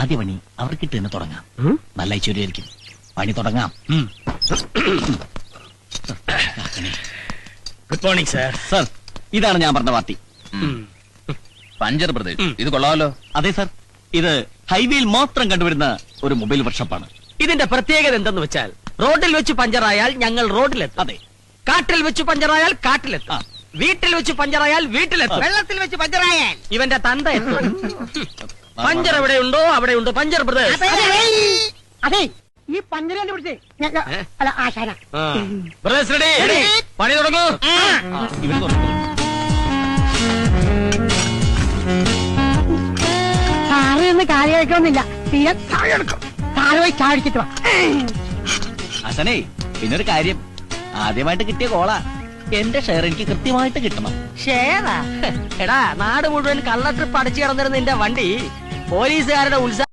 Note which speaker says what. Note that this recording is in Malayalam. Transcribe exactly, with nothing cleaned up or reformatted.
Speaker 1: ആദ്യ പണി അവർക്കിട്ട് തന്നെ തുടങ്ങാം. നല്ല ഐശ്വര്യമായിരിക്കും. പണി തുടങ്ങാം.
Speaker 2: Good morning sir.
Speaker 1: സർ, ഇതാണ് ഞാൻ പറഞ്ഞ പാർട്ടി.
Speaker 3: പഞ്ചർ ബ്രദേഴ്സ്, ഇത് കൊള്ളാമല്ലോ.
Speaker 1: അതെ സർ, ഇത് ഹൈവേയിൽ മാത്രം കണ്ടുവരുന്ന ഒരു മൊബൈൽ വർക്ക്ഷോപ്പാണ്.
Speaker 2: ഇതിന്റെ പ്രത്യേകത എന്തെന്ന് വെച്ചാൽ റോഡിൽ വെച്ച് പഞ്ചറായാൽ ഞങ്ങൾ റോഡിലെത്തും.
Speaker 1: അതെ,
Speaker 2: കാട്ടിൽ വെച്ച് പഞ്ചറായാൽ കാട്ടിലെത്തും. വീട്ടിൽ വെച്ച് പഞ്ചറായാൽ വീട്ടിലെത്തും.
Speaker 4: വെള്ളത്തിൽ വെച്ച് പഞ്ചറായാൽ
Speaker 2: ഇവന്റെ തന്ത എത്തും. പഞ്ചർ എവിടെയുണ്ടോ അവിടെയുണ്ട് പഞ്ചർ ബ്രദേഴ്സ്.
Speaker 4: അതെ, ഈ പഞ്ചര കണ്ടുപിടിച്ചേ അല്ല ആശാന.
Speaker 2: Brothers ready? പണി തുടങ്ങൂ.
Speaker 1: ഇവർ തുടങ്ങും.
Speaker 4: സാറ് എന്ന് കാര്യം കേൾക്കണമെന്നില്ല. തീരെ സാറ് പോയി ചാടിച്ചിട്ട് വാ.
Speaker 1: അസനേ, പിന്നൊരു കാര്യം, ആദ്യമായിട്ട് കിട്ടിയ കോളാ. എന്റെ ഷെയർ എനിക്ക് കൃത്യമായിട്ട് കിട്ടണം.
Speaker 2: ഷേറാ? എടാ, നാട് മുഴുവൻ കള്ള ട്രിപ്പ് അടിച്ചു കിടന്നിരുന്ന നിന്റെ വണ്ടി പോലീസുകാരുടെ ഉത്സാഹം